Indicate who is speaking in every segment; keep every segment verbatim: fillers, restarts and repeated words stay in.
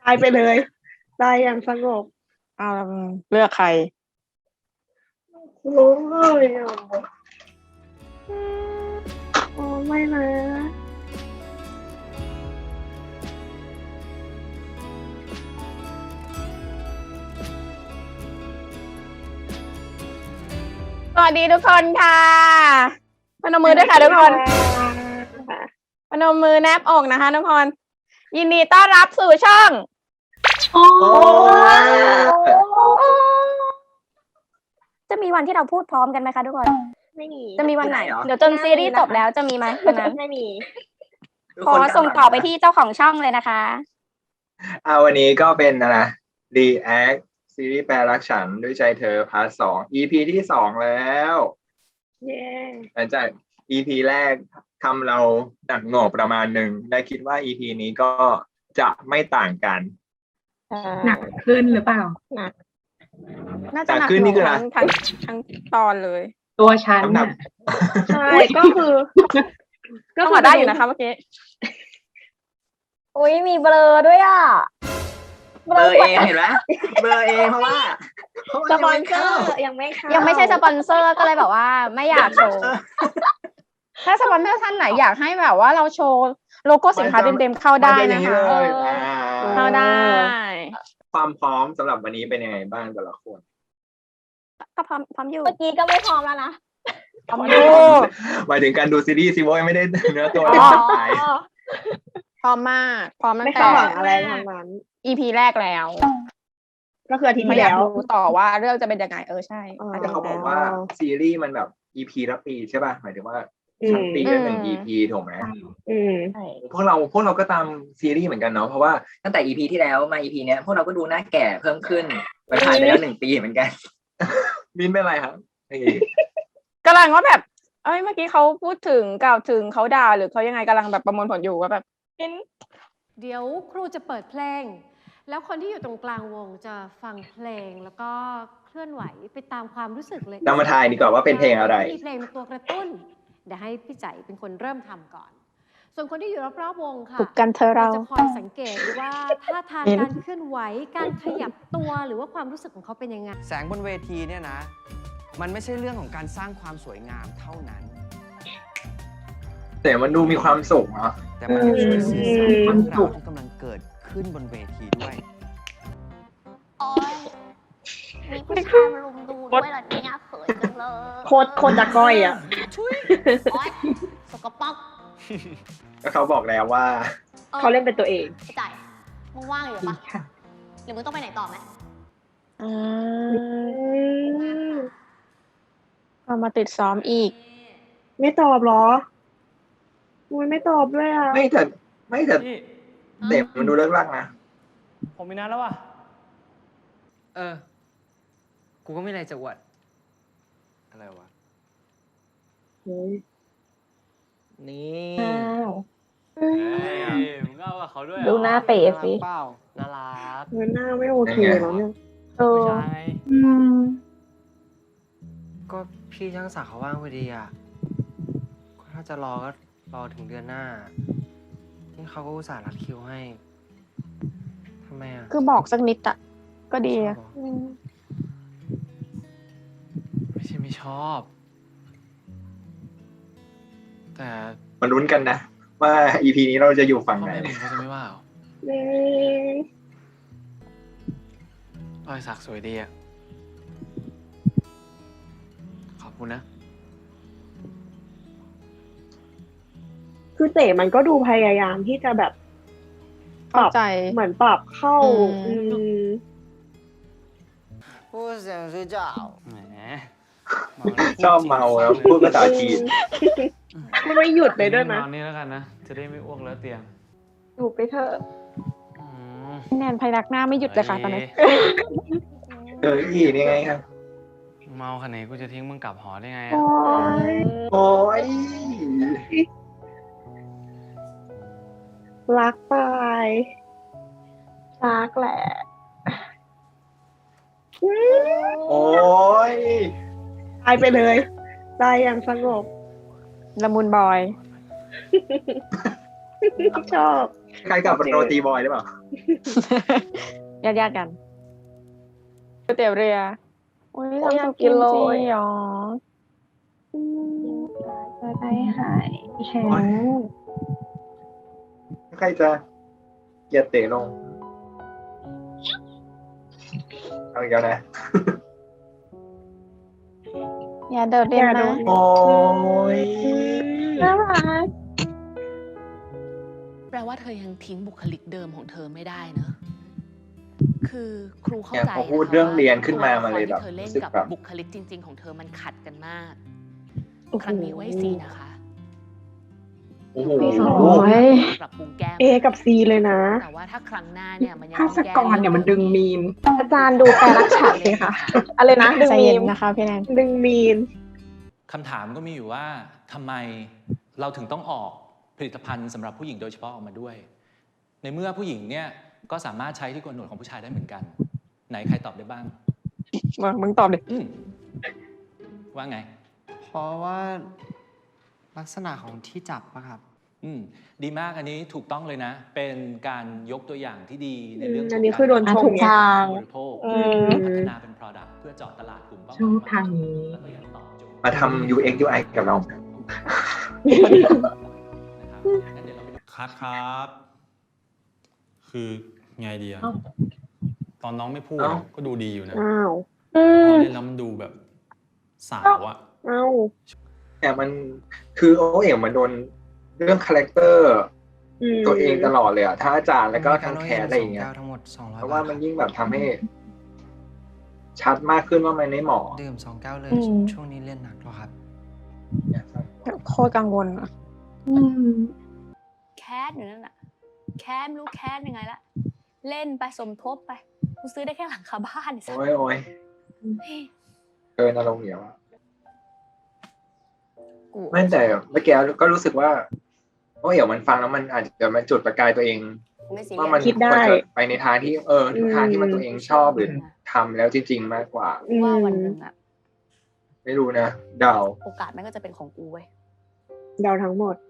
Speaker 1: ตายไปเลยตายอย่างสงบ
Speaker 2: เอาเลือกใคร
Speaker 1: รู้เลยอ่ะโอ้ไม่นะ
Speaker 2: สวัสดีทุกคนค่ะพนมมือด้วยค่ะทุกคนพนมมือแนบอกนะคะทุกคนยินดีต้อนรับสู่ช่อง
Speaker 1: โอ้
Speaker 3: จะมีวันที่เราพูดพร้อมกันไหมคะทุกคน
Speaker 1: ไม่มี
Speaker 3: จะมีวันไหนเดี๋ยวจนซีรีส์จบแล้วจะมีไหมวันนั้น
Speaker 1: ไม่มี
Speaker 3: ขอส่งต่อไปที่เจ้าของช่องเลยนะคะ
Speaker 4: อ่าวันนี้ก็เป็นอะไร React ซีรีส์แปลรักฉันด้วยใจเธอพาร์ทสอง อี พี ที่สองแล้ว
Speaker 1: เย้
Speaker 4: หลังจาก อี พี แรกทำเราหนักหน่วงประมาณหนึ่งและคิดว่า อี พี นี้ก็จะไม่ต่างกัน
Speaker 1: หนักขึ้นหรือเปล่าหนัก
Speaker 2: น่าจะหนักขึ้นนี่คือทั้งทั้งทั้งตอนเลย
Speaker 1: ตัวฉันใช่ก็คือ
Speaker 2: ก็พอได้อยู่นะคะเมื่อกี้
Speaker 3: อุ้ยมีเบลอด้วยอ่ะ
Speaker 5: เบลอเองเห็นไหมเบลอเองเพราะว่า
Speaker 1: สปอนเซอร์ยังไม่เข้า
Speaker 3: ยังไม่ใช่สปอนเซอร์ก็เลยแบบว่าไม่อยากโชว์
Speaker 2: ถ้าสปอนเซอร์ท่านไหนอยากให้แบบว่าเราโชว์โลโก้สินค้าเต็มๆเข้าได้นะคะเข้าได้
Speaker 4: ความพร้อมสำหรับวันนี้เป็นยังไงบ้างแต่ละคน
Speaker 3: ก็พร้อมพร้อมอยู่เมื่อกี้ก็ไม่พร้อมแล้วนะ
Speaker 2: พร้อมอยู่
Speaker 4: หมายถึงการดูซีรีส์ซิโว้ยไม่ได้เนื้อตัวตาย
Speaker 2: พร้อมมากพร้อมตั้งแต่อะไรทั้งนั้น อี พี แรกแล้ว
Speaker 1: ก็คืออาทิตย์ที่แล้ว
Speaker 2: ดูต่อว่าเรื่องจะเป็นยังไงเออใช่
Speaker 4: แต่เขาบอกว่าซีรีส์มันแบบ อี พี ละปีใช่ป่ะหมายถึงว่าทั้งปีละหนึ่ง อี พี ถูกไหม
Speaker 1: อืม
Speaker 4: พวกเราพวกเราก็ตามซีรีส์เหมือนกันเนาะเพราะว่า
Speaker 5: ตั้งแต่ อี พี ที่แล้วมา อี พี เนี้ยพวกเราก็ดูหน้าแก่เพิ่มขึ้นไปผ่านไปแล้วหนึ่งปีเหมือนกัน
Speaker 4: มินเป็นไรครับ
Speaker 2: กำลังว่าแบบเอ้ยเมื่อกี้เขาพูดถึงกล่าวถึงเขาด่าหรือเขายังไงกำลังแบบประมวลผลอยู่ว่าแบบ
Speaker 6: เดี๋ยวครูจะเปิดเพลงแล้วคนที่อยู่ตรงกลางวงจะฟังเพลงแล้วก็เคลื่อนไหวไปตามความรู้สึกเลย
Speaker 4: เรามาทายดีกว่าว่าเป็นเพลงอะไร
Speaker 6: มีเพลงเป็นตัวกระตุ้นเดี๋ยวให้พี่ใจเป็นคนเริ่มทำก่อนส่วนคนที่อยู่รอบๆวงค่ะ
Speaker 2: ฝึกกันเธอเรา
Speaker 6: จะคอยสังเกตว่าท่าทางการเคลื่อนไหวการขยับตัวหรือว่าความรู้สึกของเขาเป็นยังไง
Speaker 7: แสงบนเวทีเนี่ยนะมันไม่ใช่เรื่องของการสร้างความสวยงามเท่านั้น
Speaker 4: แต่มันดูมีความสุขเนาะ
Speaker 7: แต่มันช่วยสื่อสารเรื่องราวที่กำลังเกิดขึ้นบนเวทีด้วย
Speaker 3: โอ๊ยมีผู้ชายมารุมดูด้วยเหรอเนี่ยเขินจังเลย
Speaker 1: โคตรโคตรจะก้อยอ่ะ
Speaker 3: โอ๊ยสกปรก
Speaker 4: ก็เขาบอกแล้วว่า
Speaker 1: เขาเล่นเป็นตัวเอง
Speaker 3: ใจมึงว่างอยู่ปะหรือมึงต้องไปไหนต่อไหม
Speaker 2: อืมเอามาติดซ้อมอีก
Speaker 1: ไม่ตอบหรอมึงไม่ตอบด้วยอ่ะ
Speaker 4: ไม่แต่ไม่แต่เด็กมันดูเลิกลักนะ
Speaker 8: ผมมีนัดแล้วว่ะ
Speaker 7: เออกูก็ไม่อะไรจะอวดอะไรวะนี่
Speaker 8: เฮ้ยมึงเอากับเขาด้วย
Speaker 2: ดูหน้าเป๋สิ
Speaker 7: เปล่าน่ารัก
Speaker 1: เงินหน้าไม่โอเคแล้วเนี่ย
Speaker 2: เออ
Speaker 8: ใช่
Speaker 7: ก็พี่ช่างศักดิ์เขาว่างพอดีอ่ะก็ถ้าจะรอก็รอถึงเดือนหน้าที่เขาก็อุตส่าห์รัดคิวให้ทำไมอ่ะ
Speaker 2: คือบอกสักนิดอะก็ดีอะ
Speaker 7: ไม่ใช่ไม่ชอบแต่
Speaker 4: มาลุ้นกันนะว่า อี พี นี้เราจะอยู่ฝั่งไหน
Speaker 7: เขาจะไม่ว่าหรอรอยสักสวยดีอ่ะขอบคุณนะ
Speaker 1: คือเต๋มันก็ดูพยายามที่จะแบบปรับเหมือนปรับเข้า
Speaker 7: พูดเสียงชื่อเจ้าแหม
Speaker 4: ชอบเมาแล้วพูดภาษาจีน
Speaker 1: ไม่หยุดเลยด้วยนะ
Speaker 8: นอนนี่แล้วกันนะจะได้ไม่อ้วกแล้วเตียง
Speaker 1: อยู่ไปเถอะ
Speaker 2: แนนพยักหน้าไม่หยุดเลยค่ะตอนนี้
Speaker 4: เอออีนี่ไงครับ
Speaker 8: เมาขนาดนี้กูจะทิ้งมึงกลับหอได้ไง
Speaker 1: โอ้ย
Speaker 4: โอ้ย
Speaker 1: รักตายรักแหละ
Speaker 4: โอ้ย
Speaker 1: ตายไปเลยตายอย่างสงบ
Speaker 2: ละมุนบอย
Speaker 1: ชอบ
Speaker 4: ใครกับโรตีบอยหรือเปล่า
Speaker 2: ญาติญาติๆกันก๋วยเตี๋ยวเรือโอ้ย
Speaker 1: โอ้ย
Speaker 2: ทำ
Speaker 1: อยาก
Speaker 2: สุ
Speaker 1: กิ
Speaker 2: กิ
Speaker 1: น
Speaker 2: น
Speaker 1: เลย
Speaker 2: จริงหรอ
Speaker 1: จะได้หายแข็ง
Speaker 4: ใครจะเกียร์เตะลง เอาอีกแล้วนะ
Speaker 2: อย่าเดินเรียนนะ
Speaker 4: โอ้ย
Speaker 2: น่ารัก
Speaker 9: แปลว่าเธอยังทิ้งบุคลิกเดิมของเธอไม่ได้เนอะคือครูเข้า
Speaker 4: เนี่ย
Speaker 9: ใจ
Speaker 4: พอพูดเรื่องเรียนขึ้นมามาเลยแบบ
Speaker 9: ตัวละครที่เธอเล่น
Speaker 4: รู้สึก
Speaker 9: กับ
Speaker 4: แบบ
Speaker 9: บุคลิกจริง ๆ ของเธอมันขัดกันมาก ครั้งนี้ไว้ซีนะคะ
Speaker 4: โอ้โห
Speaker 1: โอ้ย
Speaker 9: ปรับปรุงแก้ม
Speaker 1: เอกับซีเลยนะ
Speaker 9: แต่ว่าถ้าครั้งหน้าเนี่ยมันยัง
Speaker 1: ภา
Speaker 9: ต้อง
Speaker 1: ส
Speaker 9: แก้
Speaker 1: กรเนี่ยมันดึงมีม
Speaker 2: อาจารย์ดูแปลรักฉันสิคะอะไรนะดึงมีมนะคะพี่แนน
Speaker 1: ดึงมีม
Speaker 8: คำถามก็มีอยู่ว่าทำไมเราถึงต้องออกผลิตภัณฑ์สำหรับผู้หญิงโดยเฉพาะออกมาด้วย ในเมื่อผู้หญิงเนี่ยก็สามารถใช้ที่โกนหนวดของผู้ชายได้เหมือนกัน ไหนใครตอบได้บ้าง
Speaker 2: มามึงตอบดิ
Speaker 8: อืมว่าไง
Speaker 7: เพราะว่าลักษณะของที่จับอะครับ
Speaker 8: อืมดีมากอันนี้ถูกต้องเลยนะ เป็นการยกตัวอย่างที่ดีในเรื่องข
Speaker 1: อั
Speaker 8: อง
Speaker 1: นนี้คือโดนชม
Speaker 2: ถูก
Speaker 1: ไง
Speaker 2: ทาง
Speaker 8: บริโภค
Speaker 2: อืม
Speaker 8: พัฒนาเป็น product เพื่อเจาะตลาดกลุ่มเป้าหมาย
Speaker 1: ชอบทางนี้
Speaker 8: แล้วก็ยังตอบโจทย์
Speaker 4: มาทำ ยู เอ็กซ์ ยู ไอ กับเรา
Speaker 8: นะครับงั้นเดี๋ยวเราไปดู
Speaker 10: คัดครับ คือไงดีอะตอนน้องไม่พูด
Speaker 4: เอ้า
Speaker 10: ก็ดูดีอยู่นะ
Speaker 1: อ้าว
Speaker 2: อื
Speaker 10: พ
Speaker 2: ม
Speaker 10: อเล่นแล้วมันดูแบบสาวอะ
Speaker 1: อ้าว
Speaker 4: แต่มันคือโอ้เอ๋มันโดนเรื่องคาแรคเตอร์
Speaker 1: อืม
Speaker 4: ตัวเองตลอดเลยอะทั้งอาจารย์แล้วก็ทั้งแคสอะไรอย่างเงี้ย
Speaker 7: ทั้งหมดสองร้อย
Speaker 4: เพราะว่ามันยิ่งแบบทำให้ ชัดมากขึ้นว่ามันไม่เหมาะ
Speaker 7: ดื่มสองแก้วเลย
Speaker 2: อืม
Speaker 7: ช่วงนี้เล่นหนักแล้วครับ
Speaker 2: โคตรกังวลอะ
Speaker 1: อืม
Speaker 3: แคสอยู่นั่นน่ะ แคสไม่รู้แคสยังไงละ เล่นไปสมทบไป กูซื้อได้แค่หลังคาบ้านไอ้สัส
Speaker 4: โอ้ยโอ้ยเกินอารมณ์เหนียวอะ
Speaker 3: กู
Speaker 4: ไม่แต่เมื่อกี้ก็รู้สึกว่าโอ้เอ๋มันฟังแล้วมันอาจจะมาจุดประกายตัวเอง
Speaker 3: ไม่ซีเรี
Speaker 4: ว่าย มัน
Speaker 3: ส
Speaker 1: คิดได้
Speaker 4: ควรจะไปในทางที่เออทางที่มันตัวเองชอบหรือทำแล้วจริง ๆ มากกว่า
Speaker 3: ว่าวันหนึ่งอะ
Speaker 4: ไม่รู้นะเดา
Speaker 3: โอกาสมันก็จะเป็นของกูเว้ย
Speaker 1: เดาทั้งหมด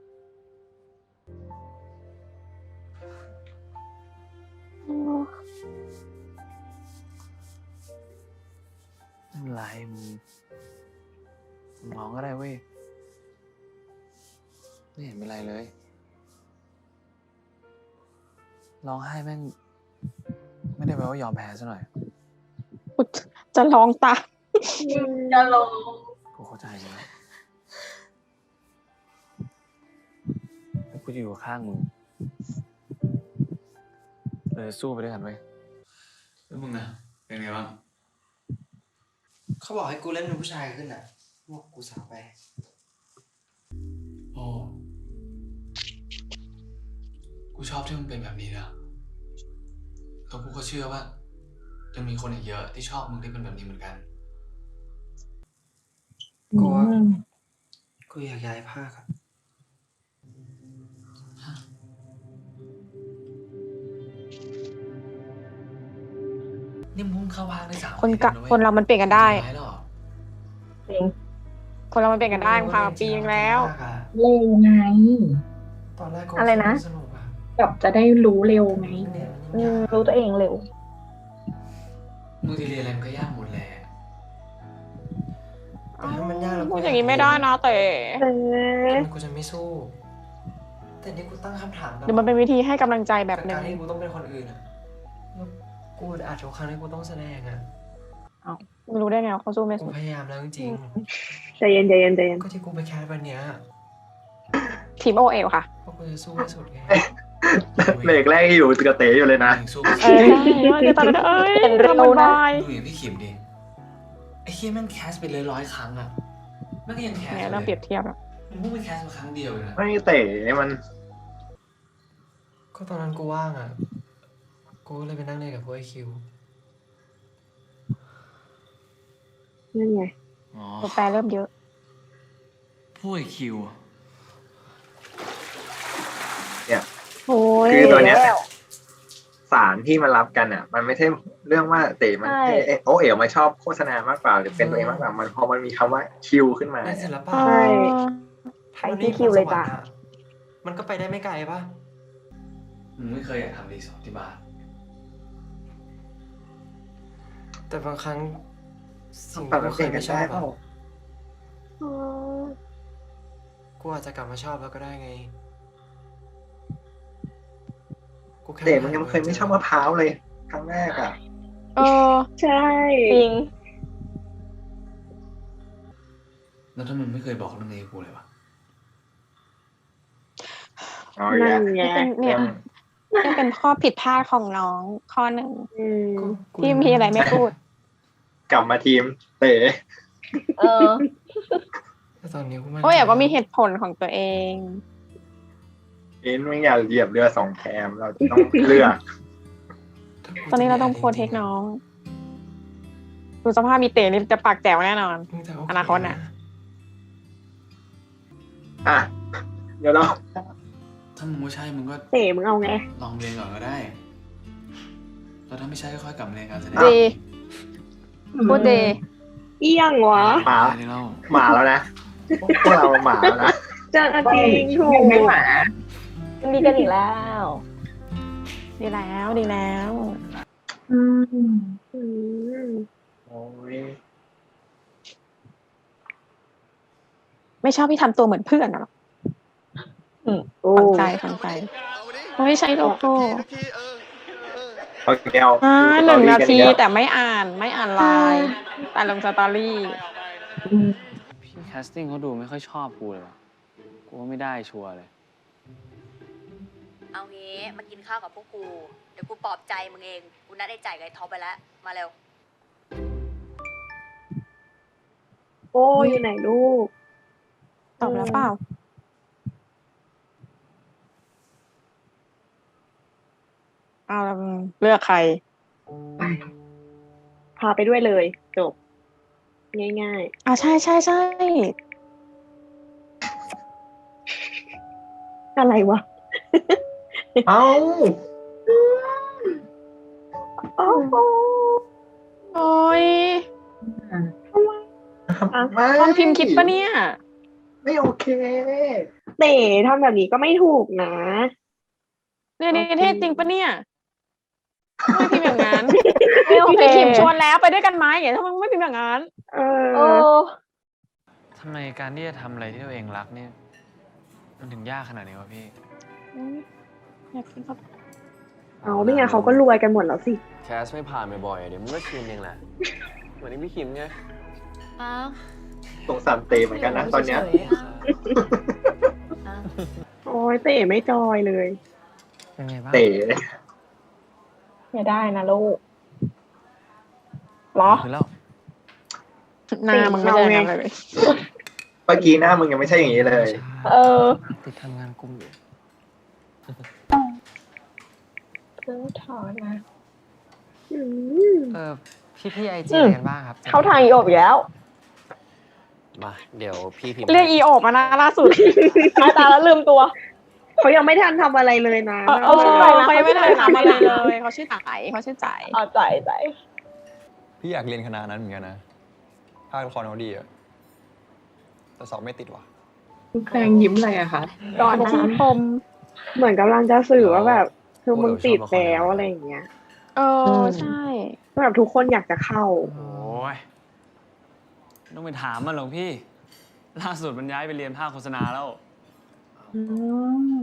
Speaker 7: ไม่เป็นไรมึงมึงร้องก็ได้เว้ย ไม่เห็นเป็นไรเลย ร้องไห้แม่ง ไม่ได้แปลว่ายอมแพ้ซะหน่อย
Speaker 2: จะร้องตาม
Speaker 1: จะลง
Speaker 7: กูเข้าใจนะแล้วกูจะอยู่ข้างมึงเราจะสู้ไปด้วยกันเว้ย
Speaker 10: แล้วมึงนะเป็นไงบ้าง
Speaker 7: เขาบอกให้กูเล่นเป็นผู้ชายขึ้นอ่ะบอกกูสาวไป
Speaker 10: โอ้กูชอบที่มึงเป็นแบบนี้นะแล้วกูก็เชื่อว่ายังมีคนอีกเยอะที่ชอบมึงที่เป็นแบบนี้เหมือนกัน
Speaker 7: กูว่ากูอยากย้ายภาคอะนี่มึงเข้าภาคได้สาม
Speaker 2: คนกะ
Speaker 7: ปีแล้ว
Speaker 2: คนเรามันเปลี่ยนกันได้
Speaker 7: ย้ายแล้วเหรอ
Speaker 1: จริง
Speaker 2: คนเรามันเปลี่ยนกันได้มันผ่านมาปีนึงแล้ว
Speaker 1: เร็วไง
Speaker 7: ตอนแรกกู
Speaker 1: อะไรนะ
Speaker 7: สนุกอะ
Speaker 1: แบบจะได้รู้เร็วไง
Speaker 7: เนี่ย
Speaker 1: อืมรู้ตัวเองเร็ว
Speaker 10: มึงจะเรียนอะไรมันก็ยากหมดแหละ
Speaker 7: แต่ถ้ามันยากแล้ว
Speaker 2: พูดอย่างนี้ไม่ได้นะแต่
Speaker 1: เออ
Speaker 7: ทำไมกูจะไม่สู้ แต่นี่กูตั้งคำถามกับ
Speaker 2: เดี๋ยวมันเป็นวิธีให้กำลังใจแบบหนึ่
Speaker 7: กาง รที่กูต้องเป็นคนอื่นอะแล้วกูอาจจะครั้งที่กูต้องแสดงอะ
Speaker 2: ไม่รู้ได้ไงว่าเขาสู้ไม่
Speaker 7: กู
Speaker 2: สู้
Speaker 7: พยายามแล้วจริง
Speaker 1: ใจเย็นใจเย็นใจเย็น
Speaker 7: ๆก็ที่กูไปแคสวันเนี้ย
Speaker 2: ทีมโอเอลค่ะ
Speaker 7: เพราะกูจะสู้ให้สุดไง
Speaker 4: เบรกแรกอยู่กระเต๋อยู่เลยนะ
Speaker 10: มึงสู้
Speaker 2: เออว่าจะตอนนั้นเอ้ย
Speaker 1: เป็นเร็วนะ
Speaker 2: ทำมันบาย
Speaker 10: ดูอย่างพี่ขิมดิไอ้เฮียแม่งแคสไปเลยร้อยครั้งอะแม่งก็ยังแคส
Speaker 2: เนี่ยเริ่มเปรียบเทียบแล้ว
Speaker 10: มึงเพิ่งไปแคสมาครั้งเดียวเองนะ
Speaker 4: ไม่เต๋มัน
Speaker 7: ก็ตอนนั้นกูว่างอะกูก็เลยไปนั่งเล่นกับพวกไอคิว
Speaker 1: นั่นไง
Speaker 10: อ๋อ
Speaker 2: ตัวแปรเริ่มเยอะ
Speaker 10: พวกไอ้คิว
Speaker 4: เนี่ย
Speaker 1: โอ้ย
Speaker 4: คือตัวเนี้ย
Speaker 1: แล้ว
Speaker 4: สารที่มันรับกันอ่ะ มันไม่ใช่เรื่องว่าเต๋มัน
Speaker 1: ใช่
Speaker 4: เอ๊ะโอเอ๋มาชอบโฆษณามากกว่าหรือเป็นตัวเองมากกว่ามันพอมันมีคำว่าคิวขึ้นมา
Speaker 7: ในศิลปะ
Speaker 1: ใช่ ไทยที่คิวเลยจ้ะ
Speaker 7: มันก็ไปได้ไม่ไกลปะ
Speaker 10: มึงไม่เคยอยากทำรีสอร์ทที่บ้าน
Speaker 7: แต่บางครั้งสิ่ง
Speaker 4: ปรับ
Speaker 7: ที่
Speaker 4: เป
Speaker 7: เค
Speaker 4: ลี่ย
Speaker 7: ย
Speaker 4: นกั
Speaker 7: ไม่
Speaker 4: น
Speaker 7: ชอ
Speaker 4: ได้
Speaker 7: บ
Speaker 4: เปล่า
Speaker 7: อะกูอาจจะกลับมาชอบแล้วก็ได้ไงกูแค่
Speaker 4: เต๋มันยังเคยไม่ชอบมะพร้าวเลย ครั้งแรกอ่ะ
Speaker 2: เออ
Speaker 1: ใช่
Speaker 2: จริง
Speaker 10: แล้วถ้ามึงไม่เคยบอกเรื่องนี้กับกูเลยวะ
Speaker 4: เอาอีก
Speaker 1: นั่
Speaker 4: แล้ว
Speaker 1: นไง
Speaker 2: เป็นเนี่ยนี่เป็นข้อผิดพลาดของน้องข้อหนึ่ง
Speaker 1: อืม
Speaker 7: กูกู
Speaker 2: ที่มีอะไรไม่พูด
Speaker 4: กลับมาทีมเต๋
Speaker 2: เออ
Speaker 7: แต่ตอนนี้กูมั่น
Speaker 2: โอ้ย
Speaker 7: ใจ
Speaker 2: อยากก็มีเหตุผลของตัวเอง
Speaker 4: อินไม่อยากเหยียบเรือสองแคมเราจะต้องเลือก
Speaker 2: ตอนนี้เราต้องโปรเทคน้อง ดูสภาพมีเต๋นี่จะปากแจ๋วแน่นอน
Speaker 7: มึงจะโเ
Speaker 2: อนาคตน่ะ
Speaker 4: อ่ะ เดี๋ยวเรา
Speaker 10: ถ้ามึงไม่ใช่มึงก็
Speaker 1: เต๋มึงเอาไง
Speaker 10: ลองเรียนก่อนก็ได้ แล้วถ้าไม่ใช่ก็ค่อยกลับมาเรียนการแสดง
Speaker 2: ดีพูดดี
Speaker 1: เอี้ยงวะ
Speaker 4: หมา
Speaker 10: ได้เล่า
Speaker 4: หมาแล้วนะ พวกเราหมาแล้วนะ
Speaker 1: จะจริงถูก
Speaker 5: ไม่หมา
Speaker 2: ดีกันอีกแล้ว ดีแล้วดีแล้ว
Speaker 1: อืมอืม
Speaker 4: โอ้ย
Speaker 2: ไม่ชอบที่ทำตัวเหมือนเพื่อนหรอก
Speaker 1: โอ้
Speaker 2: ฟังใจฟังใจไม่ใช่โลโก้
Speaker 4: โอเคเอา
Speaker 2: อ่า
Speaker 4: ดู
Speaker 2: หนึ่ง
Speaker 4: สตอรี่
Speaker 2: นา
Speaker 4: กั
Speaker 2: ที
Speaker 4: อีกแล้ว
Speaker 2: แต่ไม่อ่านไม่อ่านไลน์แต่ลงสตอรี่
Speaker 11: พี่แคสติ้งเขาดูไม่ค่อยชอบกูเลยว่ะกูว่าไม่ได้ชัวร์เลย
Speaker 3: เอางี้มากินข้าวกับพวกกู เดี๋ยวกูปลอบใจมึงเอง กูนัดไอ้จ่ายกับไอ้ท็อปไปแล้ว มาเร็ว
Speaker 1: โอ้อยู่ไหนลูก
Speaker 2: ตอบแล้วเปล่า เอาแล้วมึงเลือกใคร
Speaker 1: พาไปด้วยเลย จบ ง่าย
Speaker 2: อ่าใช่ใช่ใช่
Speaker 1: ๆ อะไรวะ
Speaker 4: เอ้า
Speaker 1: โอ้โห
Speaker 2: โอ้ย
Speaker 4: ไม่
Speaker 2: ตอนพิมพ์คิดปะเนี่ย
Speaker 4: ไม่โอเค
Speaker 1: เต๋ทำแบบนี้ก็ไม่ถูกนะ
Speaker 2: เรียนนิเทศจริงปะเนี่ยไม่พิมพ์อย่างนั้นไม่โอเคพิมพ์ชวนแล้วไปด้วยกันไหมอย่าทำไมไม่พิมพ์อย่างนั้น
Speaker 1: เอ
Speaker 2: เอ
Speaker 1: อ
Speaker 2: อ
Speaker 11: ทำไมการที่จะทำอะไรที่ตัวเองรักเนี่ยมันถึงยากขนาดนี้วะพี่
Speaker 2: อยากกินข้าว
Speaker 1: เอาไม่งั้นเขาก็รวยกันหมดแล้วสิ
Speaker 12: แคสไม่ผ่านบ่อยๆเดี๋ยวมึงก็ชินเองแหละ เหมือนที่พี่คิมไง
Speaker 3: อ้าว
Speaker 4: สงสารเตเหมือนกันนะตอนเนี้ย
Speaker 1: โอ้ยเต๋ไม่จอยเลย
Speaker 7: เป็นไงบ้าง
Speaker 4: เต๋
Speaker 2: ไม่ได้นะลูกหรอ
Speaker 11: คือแล้ว
Speaker 2: หน้ามึงไม่ได้อย่างนั้นเลย
Speaker 4: เมื่อกี้หน้ามึงยังไม่ใช่อย่างนี้เลย
Speaker 2: เออ
Speaker 7: ติดทำงานกลุ่มอยู่
Speaker 2: เพิ่งถอนนะ
Speaker 1: อืม
Speaker 7: เออพี่พี่ไอจี
Speaker 2: อืม
Speaker 7: กันบ้างครับ
Speaker 2: เข้าทางอีโอบอีกแล้ว
Speaker 12: มา เดี๋ยวพี่พิมพ์
Speaker 2: เรียกอีโอบมานะล่าสุดหน้าตาแล้วลืมตัว
Speaker 1: เขายังไม่ทันทำอะไรเลยนะ
Speaker 2: เออเออเขายังไม่ได้ทำอะไรเลยเขาชื่อใจเขาชื่อใจอ๋อใจใจ
Speaker 13: พี่อยากเรียนคณะนั้นเหมือนกันนะ ภาคละครเขาดีอะแต่สอบไม่ติดว่ะ
Speaker 1: แฟงยิ้มอะไรอะคะ
Speaker 2: ก่อนที่คม
Speaker 1: เหมือนกำลังจะสื่อว่าแบบ คือมึงติดแล้วอะไรอย่างเงี้ย
Speaker 2: เออใช่
Speaker 1: แบบทุกคนอยากจะเข้า
Speaker 11: โอ้ยไม่ต้องไปถามมันหรอกพี่ ล่าสุดมันย้ายไปเรียนภาคโฆษณาแล้ว
Speaker 1: อืม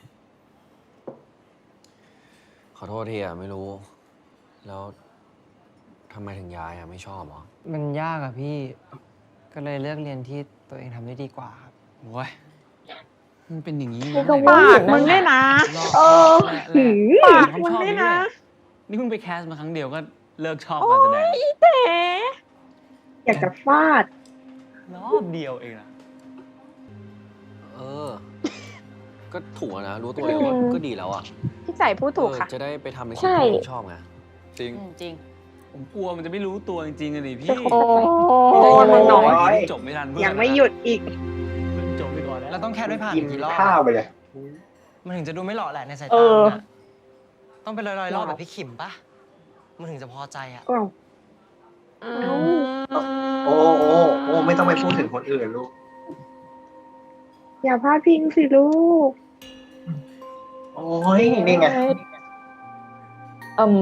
Speaker 12: ขอโทษทีอะไม่รู้ แล้วทำไมถึงย้ายอะไม่ชอบเหรอ
Speaker 7: มันยากอะพี่ ก็เลยเลือกเรียนที่ตัวเองทำได้ดีกว่าครับ
Speaker 11: โอ้ยมันเป็นอย่างนี้
Speaker 2: นี่ก็ปากมึงได้นะ เออ
Speaker 11: หื
Speaker 2: ปากมึงได้นะ
Speaker 11: นี่เพิ่งไปแคสมาครั้งเดียวก็เลิกชอบการแสดง
Speaker 2: อีเต๋
Speaker 1: อยากจะฟาด
Speaker 11: รอบเดียวเองนะ
Speaker 12: เออ ก็ถูกอะนะ รู้ตัวเองว่าก็ดีแล้วอะ
Speaker 2: พี่ใจพูดถูกค่ะ
Speaker 12: เออจะได้ไปทำในสิ่ง
Speaker 2: ใช่
Speaker 12: ที่ตัวเองชอบไง
Speaker 13: จริง
Speaker 3: จริง
Speaker 11: ผมกลัวมันจะไม่รู้ตัวจริงๆอะดิพี่
Speaker 2: โอ้
Speaker 11: มันน้อย
Speaker 4: โอ้ย
Speaker 11: จบไม่ทันเพื่อน
Speaker 1: ยังไม่หยุดอีก
Speaker 11: จบไปก่อนแล้ว
Speaker 7: เราต้องแค่ด้วยผ่าน
Speaker 4: กิน
Speaker 7: กี่รอบ
Speaker 4: ข้าวไปเลย
Speaker 7: มันถึงจะดูไม่หล่อแหละในสาย
Speaker 2: เอ
Speaker 7: ตา
Speaker 2: อ
Speaker 7: มึงอะต้องเป็นร้อยๆรอบแบบพี่ขิมปะมันถึงจะพอใจอะ
Speaker 1: อ้าว
Speaker 4: โอ้โอ้โอ้ไม่ต้องไปพูดถึงคนอื่นลูก
Speaker 1: อย่าพลาดพิงสิลูก
Speaker 4: โโอ้ยนี่ไง
Speaker 2: อืม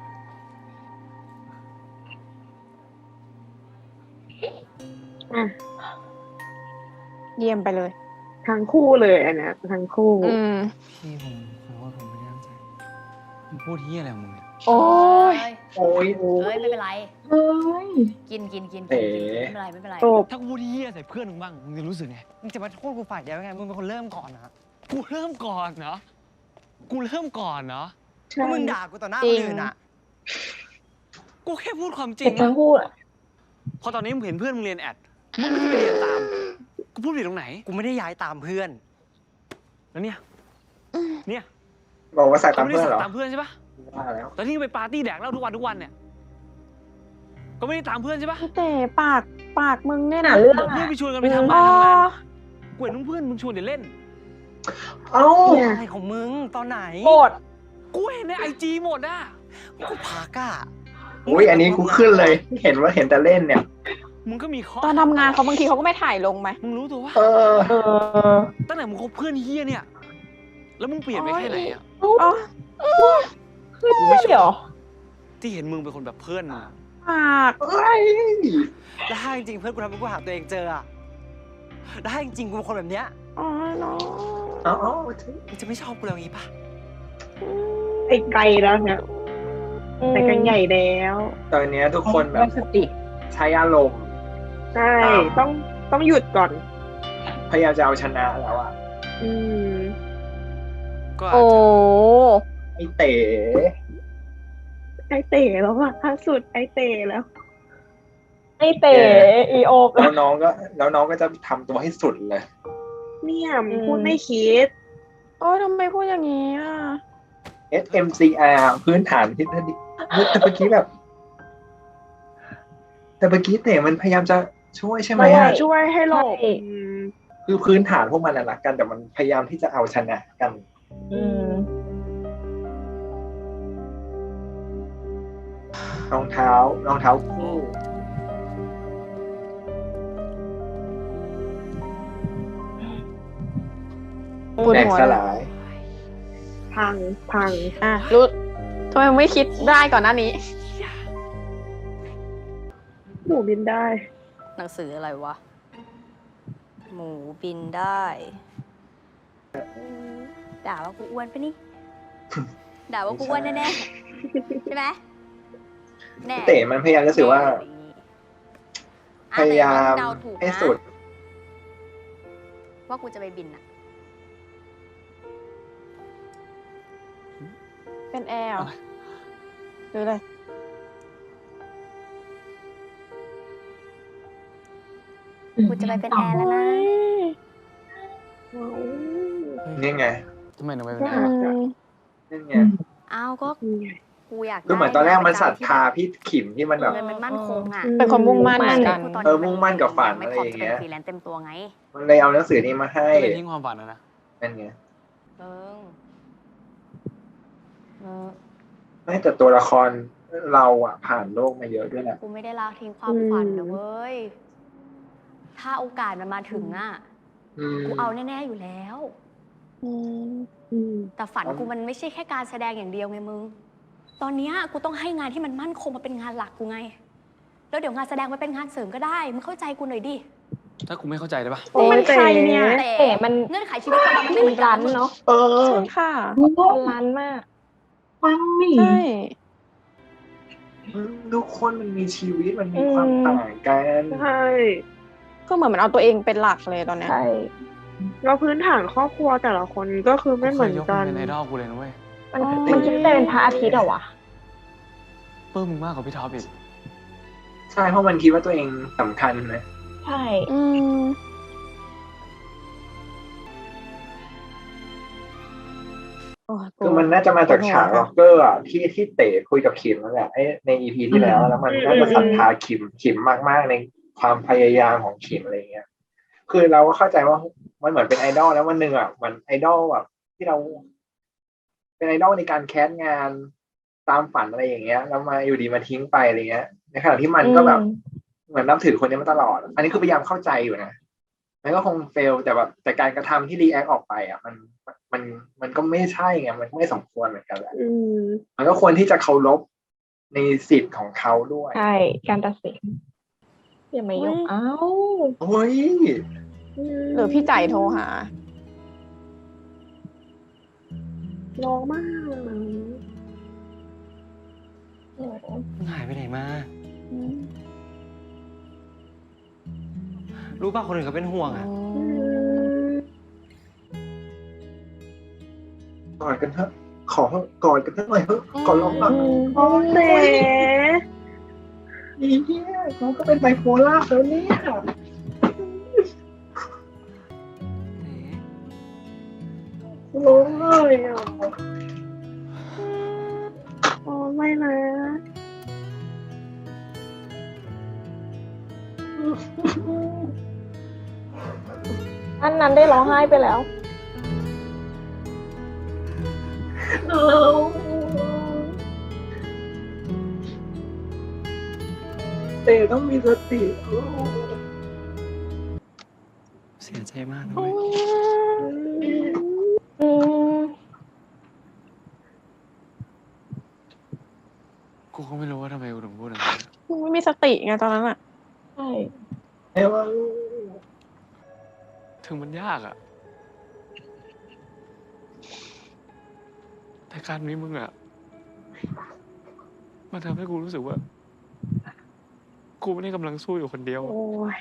Speaker 1: อ่ะ
Speaker 2: เยี่ยมไปเลย
Speaker 1: ทั้งคู่เลยอันเนี้ยทั้งคู่
Speaker 2: อืม
Speaker 7: พี่ผมขอโทษผมไม่ได้ตั้งใจมึงพูดเฮียอะไรของมึงเนี่ย
Speaker 2: โอ้ย
Speaker 4: โอ้ย
Speaker 3: เอ้ยไม่เป็นไร
Speaker 1: เฮ้ย
Speaker 3: กินกินกิน
Speaker 4: เอ๋
Speaker 3: กินไม่เป็นไรไม่เป็นไร
Speaker 1: จบ
Speaker 7: ถ้ากูพูดเฮียใส่เพื่อนมึงบ้างมึงจะรู้สึกไงมึงจะมาโทษกูฝ่ายเดียวไงมึงเป็นคนเริ่มก่อนนะกูเริ่มก่อนเนาะกูเริ่มก่อนเนาะ
Speaker 1: ใช่
Speaker 7: ก็มึงด่ากูต่อหน้า
Speaker 2: จริ
Speaker 7: ค
Speaker 2: ง
Speaker 7: นอื่นอ่ะกูแค่พูดความจริ
Speaker 1: แต่
Speaker 7: ง
Speaker 1: ทั้
Speaker 7: นะ
Speaker 1: งคู่อะ
Speaker 11: พอตอนนี้มึงเห็นเพื่อนมึงเรียนแอดมึงไม่ไปเรียนตามกูพูดผิดตรงไหน
Speaker 7: กูไม่ได้ย้ายตามเพื่อน
Speaker 11: แล้วเนี่ยเนี่ย
Speaker 4: บอกว่าใส่ตาม
Speaker 11: ไม่ได้
Speaker 4: เพื่อนเหรอ
Speaker 11: ตามเพื่อนใช่ปะ
Speaker 4: ว่าแล้ว
Speaker 11: ตอนที่ไปปาร์ตี้แดกเหล้าทุกวันทุกวันเนี่ยก็ไม่ได้ตามเพื่อนใช่ปะ
Speaker 2: แต่ปากปากมึงเนี่ย
Speaker 1: หา
Speaker 2: นะ
Speaker 1: เรื่อง
Speaker 11: เพื่อน
Speaker 1: อะ
Speaker 11: ไปชวนกันไปทำ
Speaker 2: อ๋
Speaker 11: งาน
Speaker 2: อ
Speaker 11: ทำงานกูเห็นเพื่อนมึงชวนเดี๋ยวเล่น
Speaker 4: เอ้า
Speaker 1: เนี่ย
Speaker 7: อะไรของมึงตอนไหน
Speaker 2: โกรธ
Speaker 11: กูเห็นในไอจีหมดอ่ะ
Speaker 7: กูพักอ่ะ
Speaker 4: อุ้ยอันนี้กูขึ้นเลย เห็นว่าเห็นแต่เล่นเนี่ย
Speaker 11: มึงก็มีข้อ
Speaker 2: ตอนทำงานเขาบางทีเขาก็ไม่ถ่ายลงไหม
Speaker 11: มึงรู้ตัวว่า
Speaker 4: เออ
Speaker 1: เออ
Speaker 11: ตั้งแต่มึงคบเพื่อนเฮียเนี่ย แล้วมึงเปลี่ยนไปแค่ไหนอ่ะ
Speaker 2: อ๋อ
Speaker 11: กูไม่ช
Speaker 2: เดี๋ยว
Speaker 11: อบที่เห็นมึงเป็นคนแบบเพื่อนมึงอะ
Speaker 2: ปาก
Speaker 4: เอ้ย
Speaker 7: แล้วถ้าจริงๆเพื่อนกูทำให้กูหาตัวเองเจออ่ะแล้วถ้าจริงๆกูเป็นคนแบบเนี้ย
Speaker 2: อ๋อเนาะ
Speaker 4: เอ๋อ
Speaker 7: มึงจะไม่ชอบกูแล้วงี้ปะ
Speaker 1: ไปไกลแล้วเนี่ยไปกันใหญ่แล้ว
Speaker 4: ตอนเนี้ยทุกคนแบบ
Speaker 1: สติ
Speaker 4: ใช้อารมณ์
Speaker 1: ใช่ต้องต้องหยุดก่อน
Speaker 4: พยายามจะเอาชนะแล้วอ่ะ
Speaker 1: อืม
Speaker 11: ก็อาจ
Speaker 2: โอ้
Speaker 11: จะ
Speaker 4: ไอเต๋
Speaker 1: ไอเต๋แล้วอะล่าสุดไอเต๋แล้ว
Speaker 2: ไอเต๋อีโอบ
Speaker 4: แล้วน้องก็แล้วน้องก็จะทำตัวให้สุดเลย
Speaker 1: เนี่ยมันพูดไม่คิด
Speaker 2: โอ้ยทำไมพูดอย่างนี้อ่ะ
Speaker 4: เอส เอ็ม ซี อาร์ พื้นฐานที่ดีแต่เมื่อกี้แบบ แต่เมื่อกี้เต๋มันพยายามจะช่วยใช่ไหมอะ
Speaker 1: ช่วยให้หลบ
Speaker 2: ใช่
Speaker 1: อืม
Speaker 4: คือพื้นฐานพวกมันน่ะรักกัน แต่มันพยายามที่จะเอาชนะกัน
Speaker 2: อืม
Speaker 4: รองเท้ารองเท้าคู่
Speaker 2: ปวด
Speaker 4: แตก
Speaker 2: หัว
Speaker 4: ส
Speaker 2: เลย
Speaker 4: ลาย
Speaker 1: พังพัง
Speaker 2: อ่ะรู้ทำไมไม่คิดได้ก่อนหน้านี้
Speaker 1: หนูบินได้
Speaker 3: หนังสืออะไรวะ หมูบินได้ ด่าว่ากูอ้วนปะนี่ ด่าว่ากูอ้วนแน่ๆ ใช่ไหมแน่
Speaker 4: เต๋มันพยายามจะสื่อว่า พ
Speaker 3: อ่ะแต่
Speaker 4: ยายาม
Speaker 3: เดาถูก
Speaker 4: ให้
Speaker 3: นะ
Speaker 4: สุด
Speaker 3: ว่ากูจะไปบินอะ
Speaker 2: เป็นแอร์เหรอหรืออะไร
Speaker 3: กูจะไปเป็นแอร์แล้วนะ
Speaker 4: นี่ไง
Speaker 11: ทำไมถึงไม่
Speaker 2: อื
Speaker 11: เป็นแอร์
Speaker 2: ม
Speaker 4: นี่ไง
Speaker 3: อ้าวก็กูอยาก
Speaker 4: คือเหมือนตอนแรกมันศรัทธาพี่ขิมที่มันแบบ
Speaker 3: เงินมันมั่นคงอะ
Speaker 2: เป็นคนมุ่งมั่นเหมือนกัน
Speaker 3: กูต
Speaker 4: เออมุ่งมั่นกับฝัน
Speaker 3: ไม่
Speaker 4: อะไร
Speaker 3: พร้อม
Speaker 4: อย่าง
Speaker 3: จะเป็
Speaker 4: เงี้
Speaker 3: น
Speaker 4: ย
Speaker 3: ฟรีแลนซ์เต็มตัวไง
Speaker 4: มันเลยเอาหนังสือนี้มาให้
Speaker 11: ก็เลยทิ้งความฝันนะนะ
Speaker 4: นั่นไง
Speaker 3: เออเออ
Speaker 4: ไม่แต่ตัวละครเราอะผ่านโลกมาเยอะด้วยแหละ
Speaker 3: กูไม่ได้ละทิ้งความฝันนะเว้ย ถ้าโอกาสมันมาถึงอะ
Speaker 4: อืม
Speaker 3: กูเอาแน่ๆอยู่แล้ว
Speaker 2: อืม
Speaker 1: อืม
Speaker 3: แต่ฝันกูมันไม่ใช่แค่การแสดงอย่างเดียวไงมึง ตอนเนี้ยกูต้องให้งานที่มันมั่นคงมาเป็นงานหลักกูไง แล้วเดี๋ยวงานแสดงมันเป็นงานเสริมก็ได้ มึงเข้าใจกูหน่อยดิ
Speaker 11: ถ้ากูไม่เข้าใจได้ปะ
Speaker 2: โอ้ยใครเนี่ย
Speaker 3: แต่
Speaker 2: เต๋มัน
Speaker 3: เงื่อนไขชีวิตของเรามันไม่เหมือนกัน
Speaker 2: เนาะ
Speaker 4: เออ
Speaker 2: ใช่ค่ะมันร้านมาก
Speaker 1: ฟังนี่
Speaker 2: ใช่
Speaker 4: ทุกคนมันมีชีวิตมันมีความต่างกัน
Speaker 1: ใช่
Speaker 2: ก็เหมือนมันเอาตัวเองเป็นหลักเลยตอนเนี้ย
Speaker 1: ใช่แล้วพื้นฐานครอบครัวแต่ละคนก็คือไม่เหมือน
Speaker 11: กูเคยยก
Speaker 1: กั
Speaker 11: มึ
Speaker 1: น
Speaker 11: งเป็นไอดอลกูเลยนะเว้ย
Speaker 2: มันมันคิดเป็นพระอาทิตย์เหรอวะ
Speaker 11: ปลื้มมึงมากกว่าพี่ท็อปอีก
Speaker 4: ใช่เพราะมันคิดว่าตัวเองสำคัญนะ
Speaker 2: ใช่ อืม
Speaker 4: คือมันน่าจะมาจากฉากร็อกเกอร์อะที่ที่เต๋คุยกับคิมนั่นแหละไอ้ในอีพีที่แล้วแล้วมันน่าจะศรัทธาคิมคิมมากๆในความพยายามของคิมอะไรเงี้ย คือเราก็เข้าใจว่ามันเหมือนเป็นไอดอลแล้ววันหนึ่งอ่ะมันไอดอลแบบที่เรา เป็นไอดอลในการแคสงานตามฝันอะไรอย่างเงี้ยแล้วมาอยู่ดีมาทิ้งไปอะไรเงี้ยในขณะที่มันก็แบบเหมือนนับถือคนนี้มาตลอด อันนี้คือพยายามเข้าใจอยู่นะมันก็คงเฟลแต่แบบแต่การกระทำที่รีแอคออกไปอ่ะมันมันมันก็ไม่ใช่ไงมันไม่สมควรเหมือนกันแหละ
Speaker 1: อืม
Speaker 4: มันก็ควรที่จะเคารพในสิทธิ์ของเขาด้วย
Speaker 2: ใช่ การตัดสินอย่าไม่ยกเอ้า
Speaker 4: โอ้ย
Speaker 2: หรือพี่ใจโทรหา
Speaker 1: ร้องมาก
Speaker 7: มึงหายไปไหนมา รู้ป่ะคนอื่นเขาเป็นห่วงอ่ะ
Speaker 4: กอดกันเถอะขอกอดกันเถอะหน่อยเถอะขอร้องหน่อย
Speaker 1: โอ้เต๋
Speaker 4: อีเหี้ยเขาก็เป็นไบโพล่าแล้วเนี่ยร้องเลยอ่ะ
Speaker 1: โอ้ไม่นะ
Speaker 2: อันนั้นได้ร้องไห้ไปแล้ว
Speaker 4: เต๋ต้องมีสติ
Speaker 7: เสียใจมากนะเว้ย
Speaker 2: อืม
Speaker 11: กูก็ไม่รู้ว่าทำไมกูถึงพูดอย่างนั้น
Speaker 2: ไม่มีสติไงตอนนั้นอ่ะ ใช่
Speaker 4: เอ้ว่า
Speaker 11: ถึงมันยากอะแต่การนี้มึงอะมันทำให้กูรู้สึกว่า กูไม่ได้กำลังสู้อยู่คนเดียวอะ
Speaker 2: โอ้ย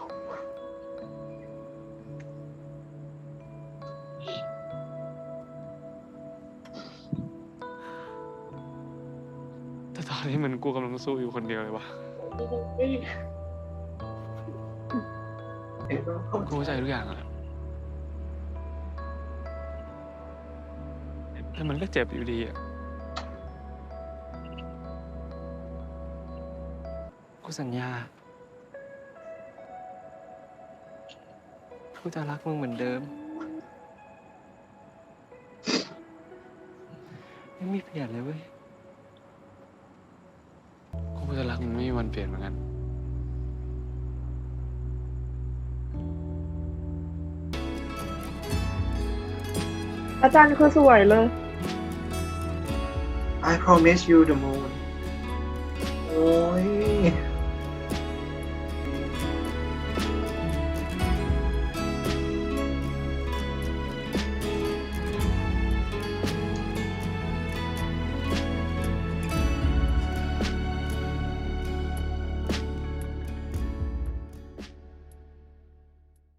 Speaker 11: แต่ตอนนี้มันกูกำลังสู้อยู่คนเดียวเลยวะกูเข้าใจทุกอย่างอะแต่มันก็เจ็บอยู่ดีอะ
Speaker 7: กูสัญญา กูจะรักมึงเหมือนเดิม ไม่มีเปลี่ยนเลยเว้ย
Speaker 11: กูจะรักมึงไม่มีวันเปลี่ยนเหมือนกัน
Speaker 1: อาจารย์คือสวยเลย
Speaker 4: I promise you the moon โอ้ย